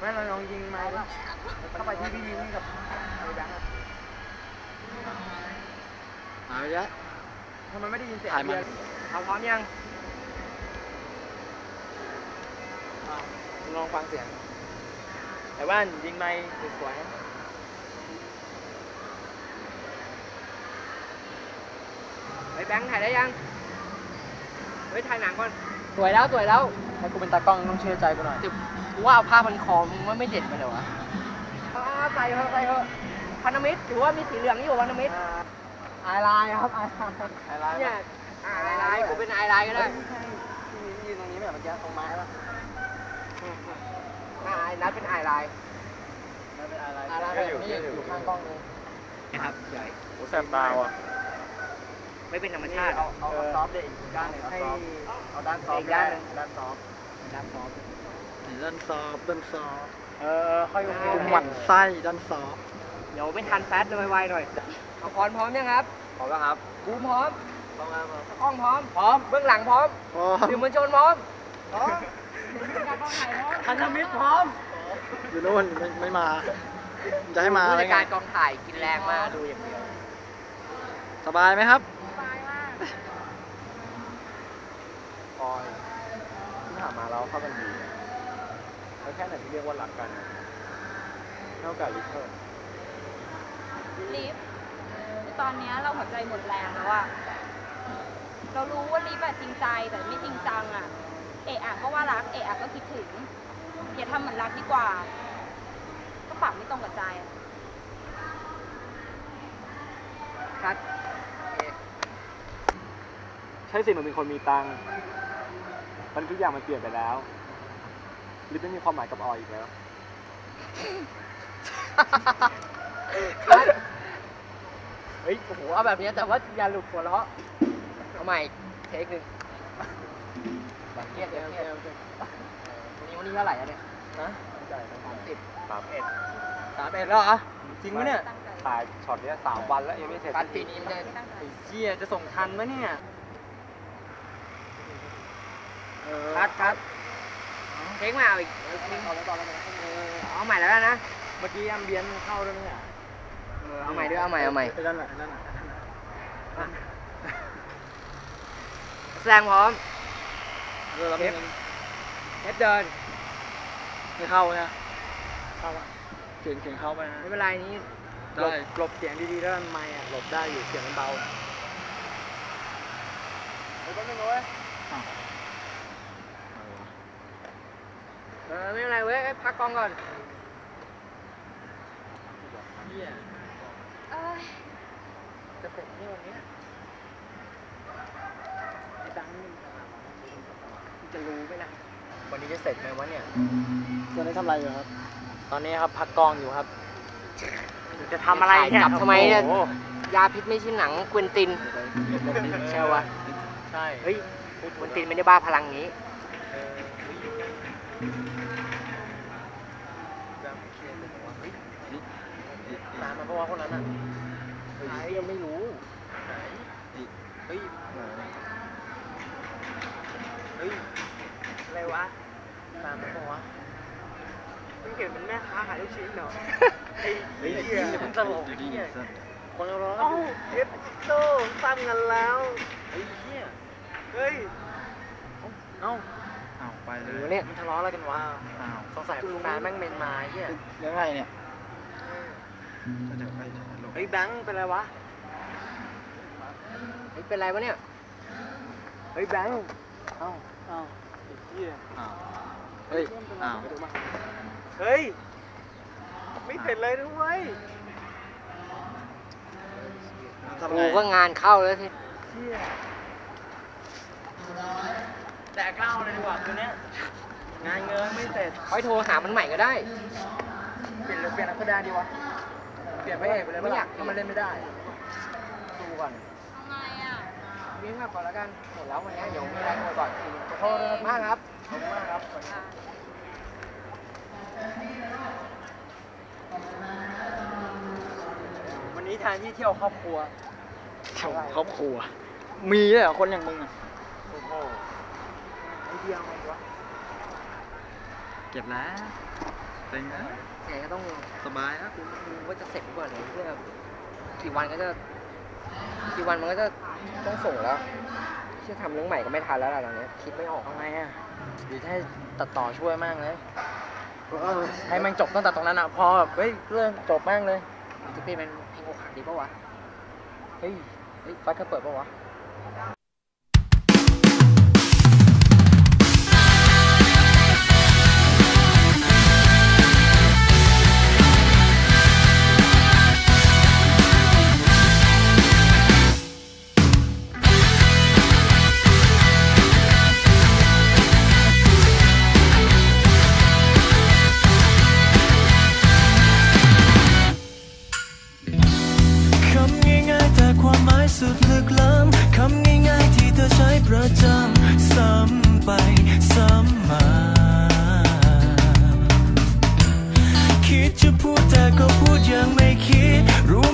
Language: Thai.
งั้นเราลองยิงมาดิเข้าไปที่พี่ยิงกับไอ้แบงค์หายไปแล้วทำไมไม่ได้ยินเสียงถ่ายมันเอาพร้อมยังลองฟังเสียงแต่ว่ายิงไม่สวยไอ้แบงค์ถ่ายได้ยังเฮ้ยถ่ายหนังก่อนสวยแล้วให้กูเป็นตากล้องต้องเชื่อใจกูหน่อยกูว่าเอาผ้าพันคอมึงว่าไม่เด็ดไปเลยวะใส่เถอะพันธมิตรถือว่ามีสีเหลืองอยู่พันธมิตรไอไลน์ครับไอไลน์เนี่ยไอไลน์กูเป็นไอไลน์ก็ได้ยืนตรงนี้แบบมันจะตรงไม้ป่ะนัดเป็นไอไลน์แบบนี้อยู่ข้างกล้องเลยนะครับใหญ่โอ้แสบตาว่ะไม่เป็นธรรมชาติเอาซอฟต์เด็กอีกด้านหนึ่งเอาด้านซอฟต์ด้านซอฟต์ด้านซอฟค่อยหมั่นไส้ด้านซอฟเดี๋ยวไม่ทันแฟชเลยไวๆหน่อยเอาพร้อมยังครับพร้อมแล้วครับบูมพร้อมกล้องพร้อมเบื้องหลังพร้อมสื่อมวลชนพร้อมพันธมิตรพร้อมอยู่โน่นไม่มาจะให้มาผู้จัดการกองถ่ายกินแรงมาดูอย่างเดียวสบายไหมครับสบายมากพอยที่ผ่านมาเราเข้ากันดีแล้วแค่ไหนที่เรียกว่ารักกันเท่ากับลิฟเตอร์ลิฟตอนนี้เราหัวใจหมดแรงแล้วอะเรารู้ว่าลิฟจริงใจแต่ไม่จริงจังอะเอะอะก็ว่ารักเอะอะก็คิดถึงอย่าทำเหมือนรักดีกว่าก็ปากไม่ตรงกับใจคัดใช่สิหนูเป็นคนมีตังค์มันทุกอย่างมันเปลี่ยนไปแล้วลิฟไม่มีความหมายกับออยอีกแล้วเฮ้ยโอ้โหเอาแบบนี้แต่ว่าอย่าหลุดหัวเราะเอาใหม่เทคหนึ่งแบบเครียดวันนี้เท่าไหร่อะเนี่ยนะ31แล้วเหรอจริงไหมเนี่ยถ่ายช็อตนี้3 วันแล้วยังไม่เสร็จการปีนี้มันไอ้เจี๊ยจะส่งทันไหมเนี่ยคัดเทคมาเอาอีกเอาใหม่แล้วนะเมื่อกี้แอมเบียนเข้าด้วยมั้ยเอาใหม่ด้วยเอาใหม่นั่นแหละแสดงพร้อมเทปเดินไม่เข้านะเข้าเสียงเข้าไปนะไม่เป็นไรนี้หลบเสียงดีๆแล้วไมค์หลบได้อยู่เสียงมันเบาไม่เป็นไรไม่เป็นไรเว้ยพักกล้องก่อนจะเสร็จนี่วันนี้ไอ้ดังจะรู้ไหมล่ะวันนี้จะเสร็จไหมวะเนี่ยตอนนี้ทำอะไรอยู่ครับตอนนี้ครับพักกล้องอยู่ครับจะทำอะไรเนี่ยจับทำไมเนี่ยยาพิษไม่ใช่หนังควินตินใช่วะใช่เฮ้ยควินตินไม่ได้บ้าพลังนี้ตามมาเพราะว่าคนนั้นอ่ะยังไม่รู้เฮ้ยอะไรวะตามมาเพราะว่าเพิ่งเห็นเป็นแม่ค้าขายลูกชิ้นเหรอไอ้เหี้ยมันตลกเหี้ยคนร้องเอฟโต้ซ้ำกันแล้วไอ้เหี้ยเฮ้ยเอ้าไปเลยเนี่ยมันทะเลาะอะไรกันวะสงสัยแฟนแม่งเมนมาเหี้ยเรื่องอะไรเนี่ยเฮ้ยแบงค์เป็นไรวะเฮ้ยเป็นไรวะเนี่ยเฮ้ยแบงค์เอ้าไอ้เหี้ยเฮ้ยเฮ้ยไม่เสร็จเลยด้วยกูก็งานเข้าแล้วสิแต่เข้าเลยดีกว่าคืนนี้งานเงินไม่เสร็จค่อยโทรหามันใหม่ก็ได้เปลี่ยนนักแสดงดีวะเปลี่ยนพระเอกไปเลยไม่อยากให้มันเล่นไม่ได้ดูก่อนทำไมอ่ะวิ่งมาก่อนแล้วกันหมดแล้ววันนี้เดี๋ยวมีอะไรโทรก่อนขอโทษมากครับขอบคุณมากครับวันนี้ทานที่เที่ยวครอบครัวครอบครัวมีด้วยเหรอคนอย่างมึงอ่ะโอ้โหไอเดียอะไรวะเก็บแล้วเต็งนะไงก็ต้องสบายนะดูว่าจะเสร็จหรือเปล่าเนี่ยเพื่อกี่วันมันก็จะต้องส่งแล้วที่ทำเรื่องใหม่ก็ไม่ทันแล้วล่ะตอนนี้คิดไม่ออกทำไมอ่ะหรือถ้าตัดต่อช่วยมากเลยให้มันจบตั้งแต่ตรงนั้นอ่ะพอแบบเฮ้ยเรื่องจบมากเลยจะเป็นเพลงอกหักดีปะวะเฮ้ยไฟก็เปิดปะวะสุดลึกล้ำคำง่ายๆที่เธอใช้ประจำซ้ำไปซ้ำมาคิดจะพูดแต่ก็พูดยังไม่คิดรู้